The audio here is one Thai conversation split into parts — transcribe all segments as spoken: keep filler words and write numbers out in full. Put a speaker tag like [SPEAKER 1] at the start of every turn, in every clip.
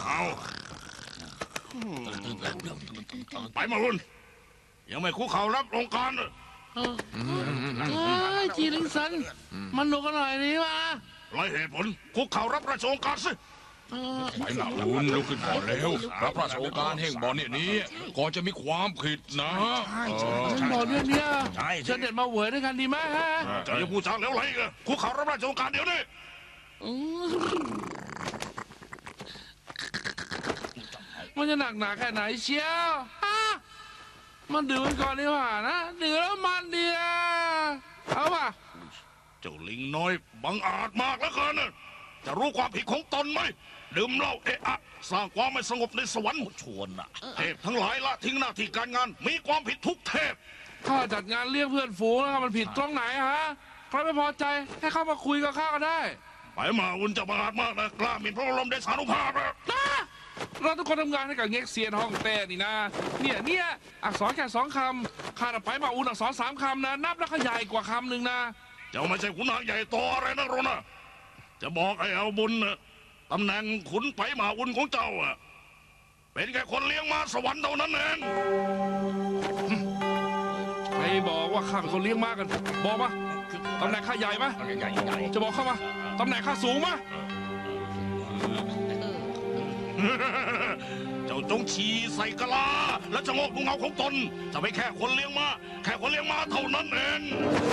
[SPEAKER 1] เขาไปมารุ่นยังไม่คุกเข่ารับองค์การ
[SPEAKER 2] เฮ้ยจีลิงสันมันหนุกกันหน่อยนี่วะ
[SPEAKER 1] ไรเหตุผลคุกเข่ารับราชองค์การสิ
[SPEAKER 3] ไปหลับคุณลุกขึ้นก่อนแล้วรับราชองค์การแห่งบ่อเนี่ยนี้ก่อนจะมีความผิดนะ
[SPEAKER 2] ฉันบอกเรื่องเนี้ยฉันเด็ดมาเหวยด้วยกันดีไหมฮะ
[SPEAKER 1] จะอย่าพูดจาแล้วไรกันคุกเข่ารับราชองค์การเดี๋ยวนี้
[SPEAKER 2] มันจะหนักหนาแค่ไหนเชียวฮะมันดื่มก่อนดีกว่านะดื่มแล้วมันดีอะเอาป่ะ
[SPEAKER 1] เจ้าลิงน้อยบังอาจมากแล้วเกินจะรู้ความผิดของตนไหมดื่มเหล้าเอะอะสร้างความไม่สงบในสวรรค์ชวนน่ะเทพทั้งหลายละทิ้งหน้าที่การงานมีความผิดทุกเทพ
[SPEAKER 2] ข้าจัดงานเลี้ยงเพื่อนฝูงแล้วมันผิดตรงไหนฮะใครไม่พอใจให้เข้ามาคุยกับข้าก็ได้
[SPEAKER 1] ไปมาอุ่นจะบังอาจมากนะกล้าหมิ่นพระบรมเดชานุภาพนะ
[SPEAKER 2] เราทุกคนทำงานให้กับเง็กเซียนห้องเต้นี่นะเนี่ยเนี่ยอักษรแค่สองคำข้าไปมาอุ่นอักษรสามคำนะนับแล้วก็ใหญ่กว่าคำหนึ่งนะ
[SPEAKER 1] เจ้าไม่ใช่ขุนนางใหญ่โตอะไรนักหรอกนะจะบอกไอ้เอาบุญนะตำแหน่งขุนไปมาอุ่นของเจ้าอะเป็นแค่คนเลี้ยงม้าสวรรค์เท่านั้นเอง
[SPEAKER 2] ใครบอกว่าข้าเป็นคนเลี้ยงม้ากันบอกมาตำแหน่งข้าใหญ่ไหมจะบอกเข้ามาตำแหน่งข้าสูงไหม
[SPEAKER 1] เจ้าจงฉี่ใส่กะลาและชะโงกดูเงาของตนจะไม่แค่คนเลี้ยงม้าแค่คนเลี้ยงม้าเท่านั้นเอง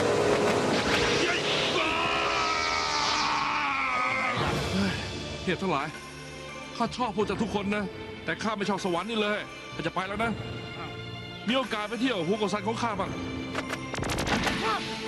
[SPEAKER 2] เทพทั้งหลายข้าชอบพวกเจ้าทุกคนนะแต่ข้าไม่ชอบสวรรค์นี่เลยข้าจะไปแล้วนะมีโอกาสไปเที่ยวฮูโกซันของข้าบ้าง